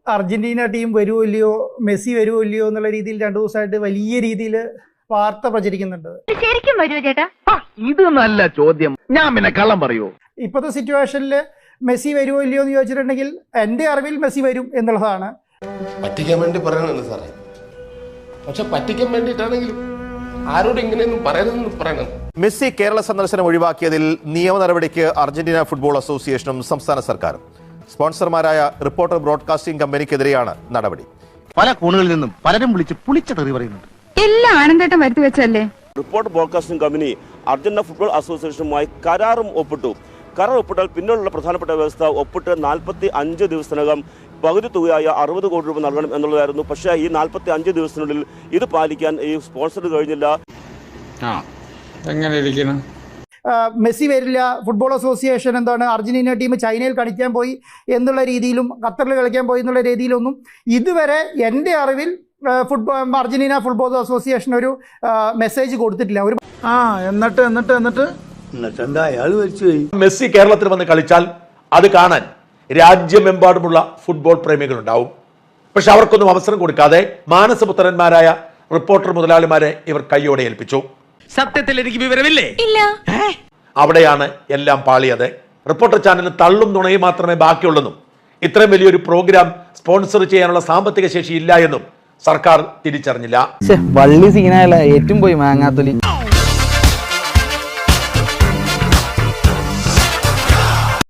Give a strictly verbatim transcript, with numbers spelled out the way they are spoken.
Argentina team വരുമോ ഇല്ലയോ, Messi വരുമോ ഇല്ലയോ എന്നുള്ള രീതിയിൽ രണ്ടു ദിവസമായിട്ട് വലിയ രീതിയിൽ വാർത്ത പ്രചരിക്കുന്നുണ്ട്. ശരിക്കും വരുമോ ചേട്ടാ? ഇത് നല്ല ചോദ്യം. ഞാൻ പിന്നെ കള്ളം പറയൂ? ഇപ്പോഴത്തെ സിറ്റുവേഷനിൽ മെസ്സി വരുമോ ഇല്ലയോ എന്ന് ചോദിച്ചിട്ടുണ്ടെങ്കിൽ എൻ്റെ അറിവിൽ മെസ്സി വരും എന്നുള്ളതാണ്. പറ്റിക്കാൻ വേണ്ടി പറയണല്ലോ സാറേ, പക്ഷെ പറ്റിക്കാൻ വേണ്ടിയിട്ടാണെങ്കിലും ആരോട് ഇങ്ങനെയൊന്നും പറയരുതെന്ന് പറയണം. മെസ്സി കേരള സന്ദർശനം ഒഴിവാക്കിയതിൽ നിയമ നടപടിക്ക് അർജന്റീന ഫുട്ബോൾ അസോസിയേഷനും സംസ്ഥാന സർക്കാരും. സ്പോൺസർമാരായ റിപ്പോർട്ടർ ബ്രോഡ്കാസ്റ്റിംഗ് കമ്പനിക്കെതിരെയാണ് നടപടി. പല കോണുകളിൽ നിന്നും പലരും വിളിച്ച് പുളിച്ച തെറി പറയുന്നുണ്ട്. എല്ലാം ആനന്ദേട്ടം വരുത്തി വെച്ചല്ലേ. Reporter broadcasting company Argentina football അസോസിയേഷനുമായി കരാറും ഒപ്പിട്ടു. കരാർ ഒപ്പിട്ടാൽ പിന്നീടുള്ള പ്രധാനപ്പെട്ട വ്യവസ്ഥ ഒപ്പിട്ട് നാൽപ്പത്തി അഞ്ച് ദിവസത്തിനകം പകുതി തുകയായ അറുപത് കോടി രൂപ നൽകണം എന്നുള്ളതായിരുന്നു. പക്ഷേ ഈ നാൽപ്പത്തി അഞ്ച് ദിവസത്തിനുള്ളിൽ ഇത് പാലിക്കാൻ ഈ സ്പോൺസർ കഴിഞ്ഞില്ല. മെസ്സി വരില്ല, ഫുട്ബോൾ അസോസിയേഷൻ എന്താണ് അർജന്റീന ടീം ചൈനയിൽ കളിക്കാൻ പോയി എന്നുള്ള രീതിയിലും ഖത്തറിൽ കളിക്കാൻ പോയി എന്നുള്ള രീതിയിലൊന്നും ഇതുവരെ എൻ്റെ അറിവിൽ ഫുട്ബോൾ അർജന്റീന ഫുട്ബോൾ അസോസിയേഷൻ ഒരു മെസ്സേജ് കൊടുത്തിട്ടില്ല. ഒരു ആ എന്നിട്ട് എന്നിട്ട് എന്നിട്ട് എന്നിട്ട് എന്താ അയാൾ മരിച്ചുപോയി. മെസ്സി കേരളത്തിൽ വന്ന് കളിച്ചാൽ അത് കാണാൻ രാജ്യമെമ്പാടുമുള്ള ഫുട്ബോൾ പ്രേമികളുണ്ടാവും. പക്ഷെ അവർക്കൊന്നും അവസരം കൊടുക്കാതെ മാനസപുത്രന്മാരായ റിപ്പോർട്ടർ മുതലാളിമാരെ ഇവർ കൈയോടെ ഏൽപ്പിച്ചു. സത്യത്തിൽ എനിക്ക് വിവരമില്ലേ? ഇല്ല. അവിടെയാണ് എല്ലാം പാളിയത്. റിപ്പോർട്ടർ ചാനലിന് തള്ളും നുണയും മാത്രമേ ബാക്കിയുള്ളെന്നും ഇത്രയും വലിയൊരു പ്രോഗ്രാം സ്പോൺസർ ചെയ്യാനുള്ള സാമ്പത്തിക ശേഷി ഇല്ല എന്നും സർക്കാർ തിരിച്ചറിഞ്ഞില്ല. വള്ളി സീനായല്ല, ഏറ്റവും പോയി മാങ്ങാത്തൊലി.